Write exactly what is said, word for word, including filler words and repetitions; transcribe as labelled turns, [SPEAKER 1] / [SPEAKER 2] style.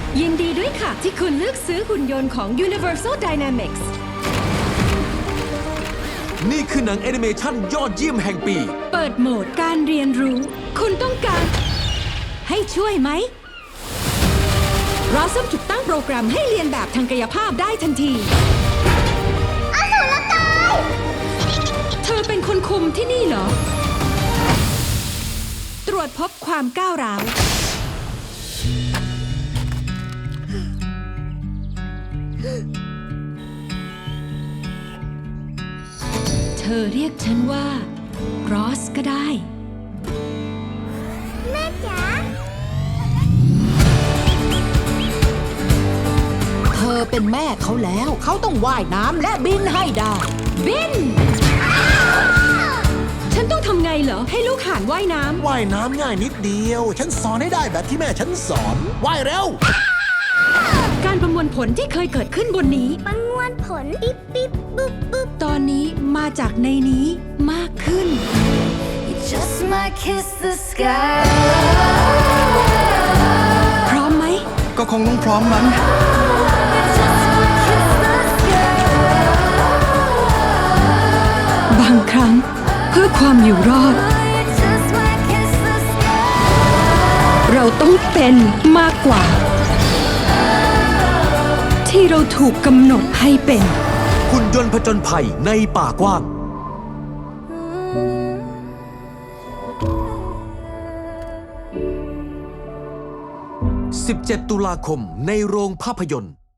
[SPEAKER 1] ยินดีด้วยค่ะที่คุณเลือกซื้อหุ่นยนต์ของ Universal Dynamics
[SPEAKER 2] นี่คือหนังแอนิเมชันยอดเยี่ยมแห่งปี
[SPEAKER 1] เปิดโหมดการเรียนรู้ คุณต้องการให้ช่วยไหมเราซ่อมถูกตั้งโปรแกรมให้เรียนแบบทางกายภาพได้ทันทีอสุรกายเธอเป็นคนคุมที่นี่เหรอ ตรวจพบความก้าวร้าวเธอเรียกฉันว่ารอสก็ได้
[SPEAKER 3] แม่จ๋าเธอเป็นแม่เขาแล้ว เขาต้องว่ายน้ำและบินให้ได้
[SPEAKER 1] บิน ฉันต้องทำไงเหรอ ให้ลูกห่านว่ายน้ำ
[SPEAKER 4] ว่ายน้ำง่ายนิดเดียว ฉันสอนให้ได้แบบที่แม่ฉันสอน ว่ายเร็ว
[SPEAKER 1] การประมวลผลที่เคยเกิดขึ้นบนนี้
[SPEAKER 3] ประมวลผล ปิ๊บปิ๊บปุ๊บปุ๊บ
[SPEAKER 1] ตอนนี้มาจากในนี้มากขึ้น
[SPEAKER 5] You just might kiss the sky.
[SPEAKER 1] พร้อมไหม
[SPEAKER 6] ก็คงต้องพร้อมมั้ง
[SPEAKER 5] You just might kiss the sky.
[SPEAKER 1] บางครั้งเพื่อความอยู่รอด
[SPEAKER 5] You just might kiss the sky.
[SPEAKER 1] เราต้องเป็นมากกว่า ที่เราถูกกำหนดให้เป็น
[SPEAKER 2] หุ่นยนต์ผจญภัยในป่ากว้าง สิบเจ็ด ตุลาคมในโรงภาพยนตร์